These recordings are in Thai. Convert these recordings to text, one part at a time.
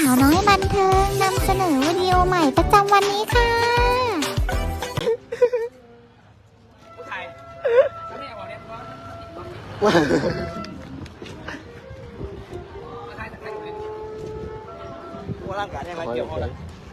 าวน้อยบันเทิงนำเสนอวิดีโอใหม่ประจำวันนี้ค่ะร่างกายได้ไหมเกี่ยวข้อง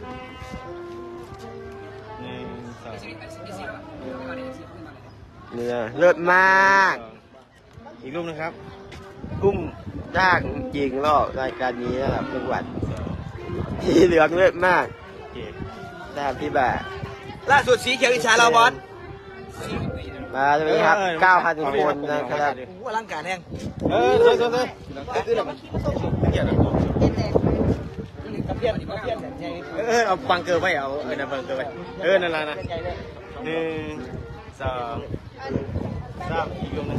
เนี่ยเลิศมากอีกรูปนะครับกุ้มยากจริงรอบรายการนี้นะครับจังหวัดที่เหลืองเลิศมากตามที่แบบล่าสุดสีเขียวอิจฉาเราบอสมาใช่ไหมครับ 9,000 คนนะครับร่างกายแห้งเฮ้ยเอาบังเกอร์ไว้เอานะบังเกอร์ไว้นั่นแหละนะ1 2 3อีกรูปนึง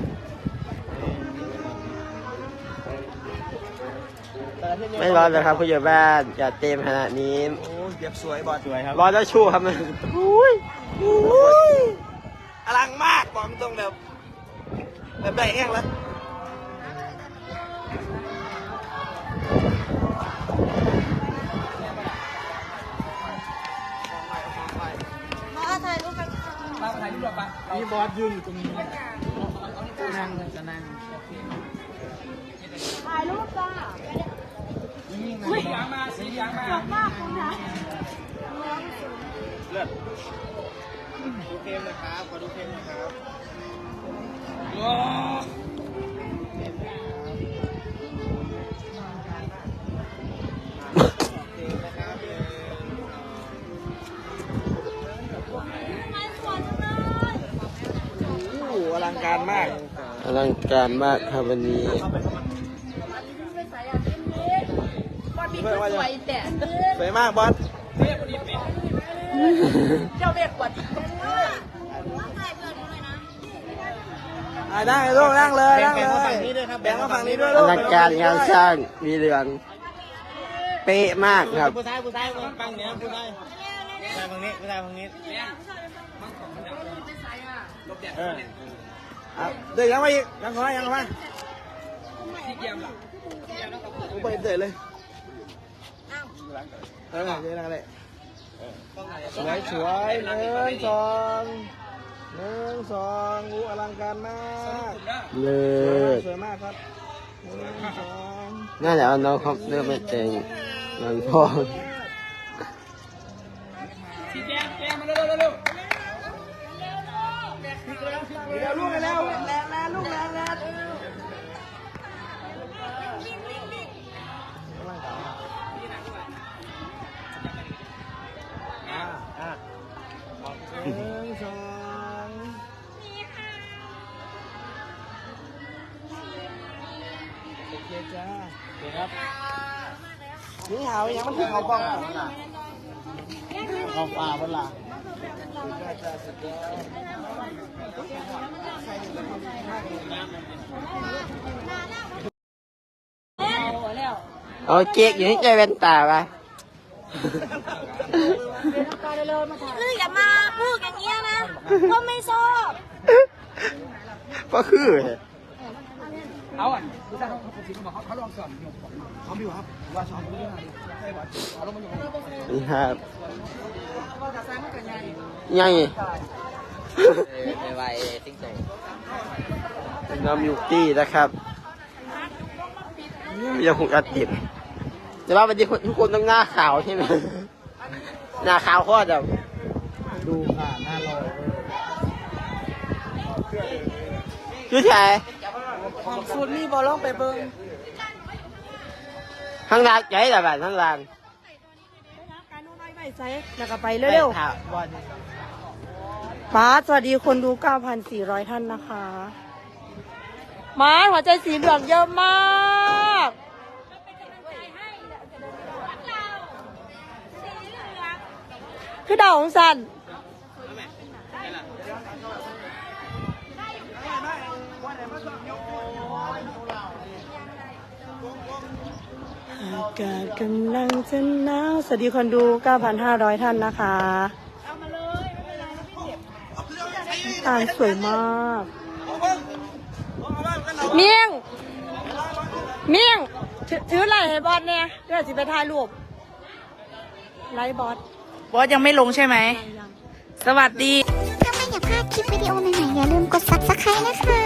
ไม่ร้อนเลยครับผู้ใหญ่บ้านจัดเต็มขนาดนี้โอ้เก็บสวยบอสสวยครับร้อนแล้วชูครับมันอลังมากบอกตรงแบบได้แห้งแล้วมาถ่ายรูปกันนี่บอสยืนอยู่ตรงนี้นั่งจะนั่งถ่ายรูปจ้าสียางมาสียางมามากคุณนะเลือดดูเกมเลยครับขอดูเกมเลยครับอลังการมากอลังการมากครับวันนี้สวยแต่สวยมากบอสเจ้าเบ็กกว่าได้ลูกนั่งเลยนั่งเลยแบ่งมาฝั่งนี้ด้วยอลูกลังการงานสร้างมีเหลืองเป๊ะมากครับผู้ชายฝั่งนี้ผู้ชายฝั่งนี้ผู้ชายฝั่งนี้เดี๋ยวยังมาอีกยังขอยังมาไปเตะเลยเดี๋ยวนั่งเลยสวย1 2อลังการมากเลิศสวยมากครับน่าจะเอาน้องเขาเริ่มไม่แต่งหลังพ่อลูกไปแล้วลูกแล้ว1 2โอเคจ้าเดี๋ยวครับนี่หาไว้ยังมันถึงเขาบ้องเขาป่าบนหลังเอาเจ๊กอยู่ที่ใจแว่นตาไปคืออย่ามาพูดอย่างเงี้ยนะก็ไม่ชอบก็คือเอาอ่ะผู้ชายเขาลองสอนเขาไม่อยู่ครับว่าสอนไม่ได้ใช่ป่ะเอาลงมาอยู่นี่ครับยังไงไปติ้งโตน้ำยูตี้นะครับยังคงอัดติดแต่ว่าวันนี้ทุกคนต้องหน้าขาวใช่ไหมหน้าขาวโคตรแบบดูค่ะหน้าลอยชื่อแท้ของสูตรนี่บอลลองไปเบิ้งข้างล่างใจแต่แบบข้างล่างแล้วก็ไปเร็วๆป้าสวัสดีคนดู 9,400 ท่านนะคะมาหัวใจสีเหลืองเยอะมากคือดาวของสันอากาศกำลังจะหนาวสวัสดีคนดู 9,500 ท่านนะคะตาสวยมากเมี่ยงถืออะไรให้บอลเนี่ยเดี๋ยวสิไปถ่ายรูปไลฟ์บอสบอสยังไม่ลงใช่ไหมยังสวัสดีถ้าไม่อยากพลาดคลิปวิดีโอใหม่ๆอย่าลืมกด subscribe นะคะ